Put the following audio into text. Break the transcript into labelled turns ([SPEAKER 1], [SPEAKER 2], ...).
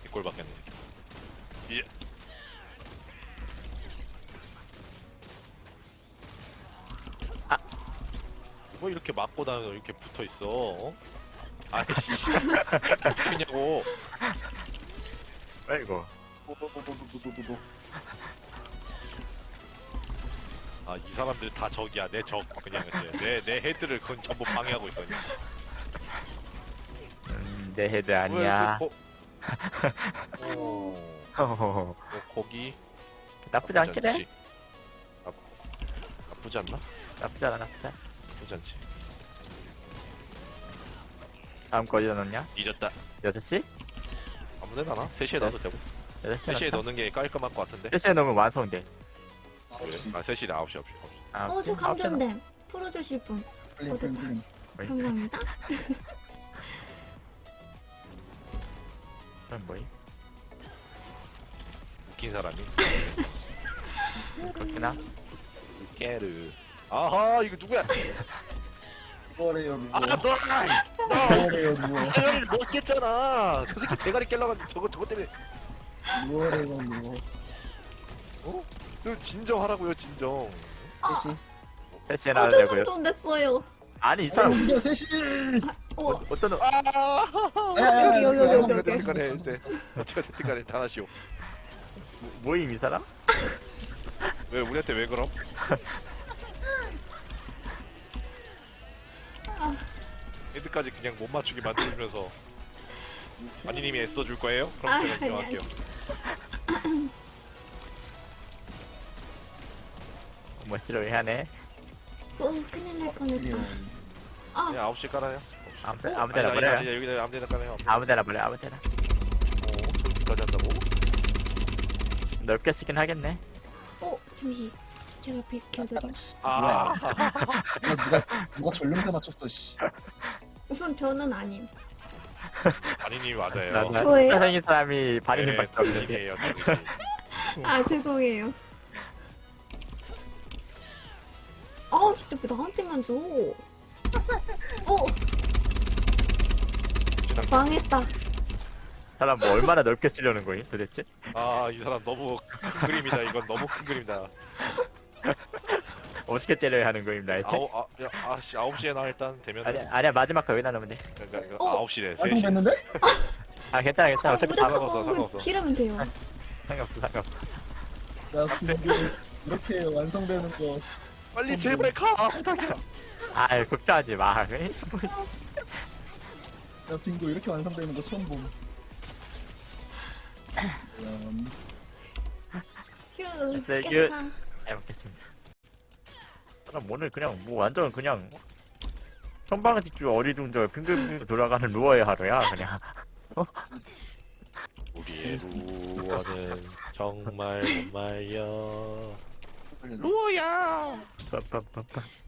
[SPEAKER 1] 꼴 받겠네. 이제 뭐 이렇게 맞고 다니고 이렇게 붙어 있어? 어? 아이씨, 이렇게 붙어 있냐고.
[SPEAKER 2] 아이고.
[SPEAKER 1] 아, 이 사람들 다 적이야. 내 적. 그냥 내 헤드를 그건 전부 방해하고 있거든.
[SPEAKER 2] 내 헤드 아니야.
[SPEAKER 1] 어, 거기
[SPEAKER 2] 나쁘지 않긴 해.
[SPEAKER 1] 않지. 나쁘지 않나?
[SPEAKER 2] 나쁘지 않아, 나쁘지 않아.
[SPEAKER 1] 나쁘지 않지.
[SPEAKER 2] 다음 거 어디다 넣냐?
[SPEAKER 1] 잊었다.
[SPEAKER 2] 6시?
[SPEAKER 1] 아무데나 나? 3시에 넣어도 되고.
[SPEAKER 2] 6시에
[SPEAKER 1] 3시에 넣는 게 깔끔할 것 같은데.
[SPEAKER 2] 3시에 넣으면 완성돼.
[SPEAKER 1] 그래? 아, 3시에 9시.
[SPEAKER 2] 아,
[SPEAKER 3] 저 감전됨. 풀어주실 분. 감사합니다.
[SPEAKER 2] 그럼 뭐임?
[SPEAKER 1] 웃긴 사람이.
[SPEAKER 2] 그렇구나.
[SPEAKER 1] 깨르. 아하, 이거 누구야?
[SPEAKER 4] 누워래요 누워.
[SPEAKER 1] 아, 너!
[SPEAKER 4] 누워래요 누워.
[SPEAKER 1] 대가리를 못 깼잖아. 그 새끼 대가리 깰려가지고 저거 때문에.
[SPEAKER 4] 누워래요 누워.
[SPEAKER 1] 어? 그 진정하라고요, 진정.
[SPEAKER 4] 셋이.
[SPEAKER 2] 3시에
[SPEAKER 3] 저
[SPEAKER 2] 나오려고요.
[SPEAKER 3] 좀 됐어요.
[SPEAKER 2] 아니, 이 사람,
[SPEAKER 4] 우리가 셋이.
[SPEAKER 2] 어떤,
[SPEAKER 3] 여기.
[SPEAKER 1] 어쨌든간에 어쨌든간에 다 하시오.
[SPEAKER 2] 뭐임, 이 사람?
[SPEAKER 1] 왜 우리한테 왜 그럼? 헤드까지 그냥 못 맞추게 만들면서 아니님이 애써줄 거예요? 그럼 제가 인정할게요.
[SPEAKER 2] 뭐 싫어하네.
[SPEAKER 3] 큰일 날 뻔했다.
[SPEAKER 1] 그냥 9시 깔아요.
[SPEAKER 2] 아무 데나 버려요.
[SPEAKER 1] 아니, 여기다 아무 데나 깔아요.
[SPEAKER 2] 아무 데나 버려, 아무 데나.
[SPEAKER 1] 저기까지 한다고?
[SPEAKER 2] 넓게 쓰긴 하겠네.
[SPEAKER 3] 잠시. 제가 비켜드림.
[SPEAKER 1] 아,
[SPEAKER 4] 누가 전륜태 맞췄어 씨.
[SPEAKER 3] 우선 저는 아님.
[SPEAKER 1] 아니님이 맞아요.
[SPEAKER 3] 저예요?
[SPEAKER 2] 생긴 사람이 반인님
[SPEAKER 1] 네,
[SPEAKER 2] 밖에 없는데.
[SPEAKER 1] 당신이에요, 당신.
[SPEAKER 3] 죄송해요. 진짜 왜 나한테만 줘? 망했다.
[SPEAKER 2] 사람 뭐 얼마나 넓게 쓰려는 거임, 도대체?
[SPEAKER 1] 아, 이 사람 너무 큰 그림이다. 이건 너무 큰 그림이다.
[SPEAKER 2] 어떻게 때려야 하는 거임, 나이트?
[SPEAKER 1] 9시에 나 일단 되면.
[SPEAKER 2] 아니야, 마지막 거 여기다 넣으면 돼.
[SPEAKER 1] 그러니까 9시래.
[SPEAKER 4] 완성
[SPEAKER 1] 3시.
[SPEAKER 4] 됐는데?
[SPEAKER 2] 아, 괜찮아. 어차피 다 먹어.
[SPEAKER 1] 상관없어.
[SPEAKER 3] 지르면 돼요.
[SPEAKER 2] 상관없어.
[SPEAKER 4] 야 빙고 이렇게 완성되는 거.
[SPEAKER 1] 빨리 제발 가. 부탁이야.
[SPEAKER 2] 아, 걱정하지 마.
[SPEAKER 4] 야 빙고 이렇게 완성되는 거 처음 봄.
[SPEAKER 3] 휴.
[SPEAKER 2] 네,
[SPEAKER 3] 깼다.
[SPEAKER 2] 잘 먹겠습니다. 그럼 오늘 그냥 뭐 완전 그냥 선방을 찍주 어리둥절 빙글빙글 돌아가는 루어의 하루야 그냥.
[SPEAKER 1] 우리의 루어는 정말 못 말려. 루어야.
[SPEAKER 2] 빠빠빠빠.